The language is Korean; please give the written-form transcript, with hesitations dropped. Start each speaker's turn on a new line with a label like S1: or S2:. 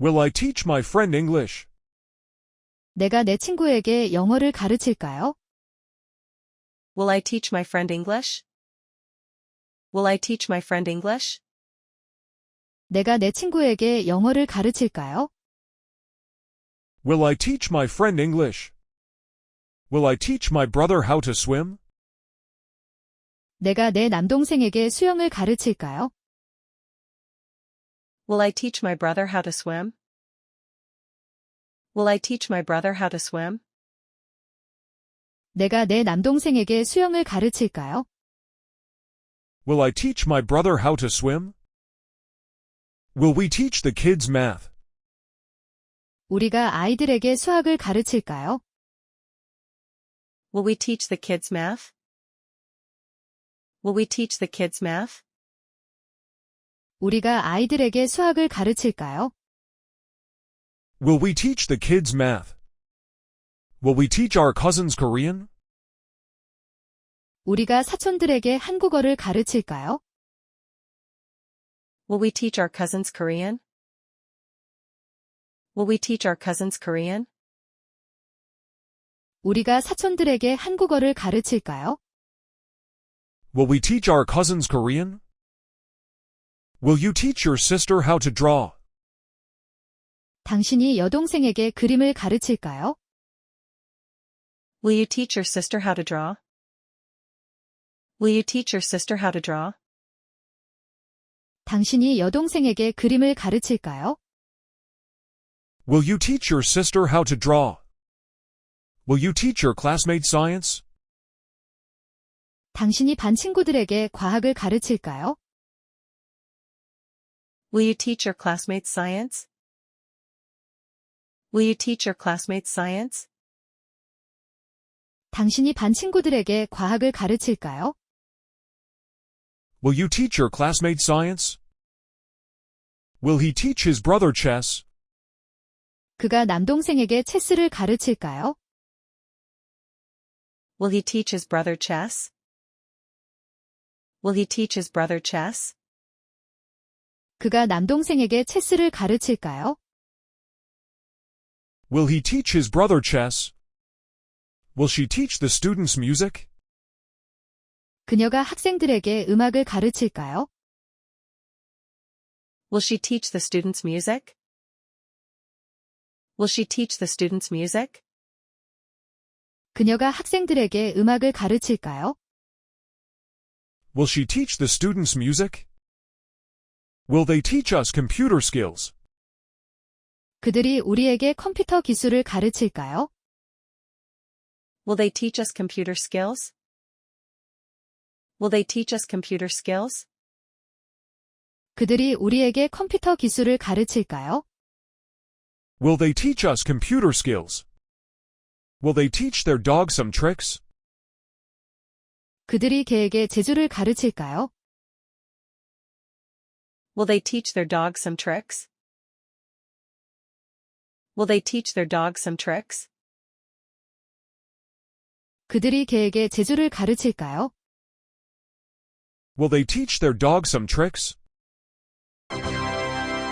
S1: Will I teach my friend English?
S2: 내가 내 친구에게 영어를 가르칠까요?
S3: Will I teach my friend English? Will I teach my friend English?
S2: 내가 내 친구에게 영어를 가르칠까요?
S1: Will I teach my friend English? Will I teach my brother how to swim?
S2: 내가 내 남동생에게 수영을 가르칠까요?
S3: Will I teach my brother how to swim? Will I teach my brother how to swim?
S2: 내가 내 남동생에게 수영을 가르칠까요?
S1: Will I teach my brother how to swim? Will we teach the kids math?
S2: 우리가 아이들에게 수학을 가르칠까요?
S3: Will we teach the kids math? Will we teach the kids math?
S2: 우리가 아이들에게 수학을 가르칠까요?
S1: Will we teach the kids math? Will we teach our cousins Korean?
S2: 우리가 사촌들에게 한국어를 가르칠까요?
S3: Will we teach our cousins Korean? Will we teach our cousins Korean?
S2: 우리가 사촌들에게 한국어를 가르칠까요?
S1: Will we teach our cousins Korean? Will you teach your sister how to draw?
S2: 당신이 여동생에게 그림을 가르칠까요?
S3: Will you teach your sister how to draw? Will you teach your sister how to draw?
S2: 당신이 여동생에게 그림을 가르칠까요?
S1: Will you teach your sister how to draw? Will you teach your classmate science?
S2: 당신이 반 친구들에게 과학을 가르칠까요?
S3: Will you teach your classmates science? Will you teach your classmates science?
S2: 당신이 반 친구들에게 과학을 가르칠까요?
S1: Will you teach your classmate science? Will he teach his brother chess?
S2: 그가 남동생에게 체스를 가르칠까요?
S3: Will he teach his brother chess? Will he teach his brother chess?
S2: 그가 남동생에게 체스를 가르칠까요?
S1: Will he teach his brother chess? Will she teach the students music?
S2: 그녀가 학생들에게 음악을 가르칠까요?
S3: Will she teach the students music? Will she teach the students music?
S2: 그녀가 학생들에게 음악을 가르칠까요?
S1: Will she teach the students music? Will they teach us computer skills?
S2: 그들이 우리에게 컴퓨터 기술을 가르칠까요?
S3: Will they teach us computer skills? Will they teach us computer skills?
S2: 그들이 우리에게 컴퓨터 기술을 가르칠까요?
S1: Will they teach us computer skills? Will they teach their dog some tricks?
S2: 그들이 개에게 제주를 가르칠까요?
S3: Will they teach their dog some tricks? Will they teach their dog some tricks?
S2: 그들이 개에게 제주를 가르칠까요?
S1: Will they teach their dog some tricks?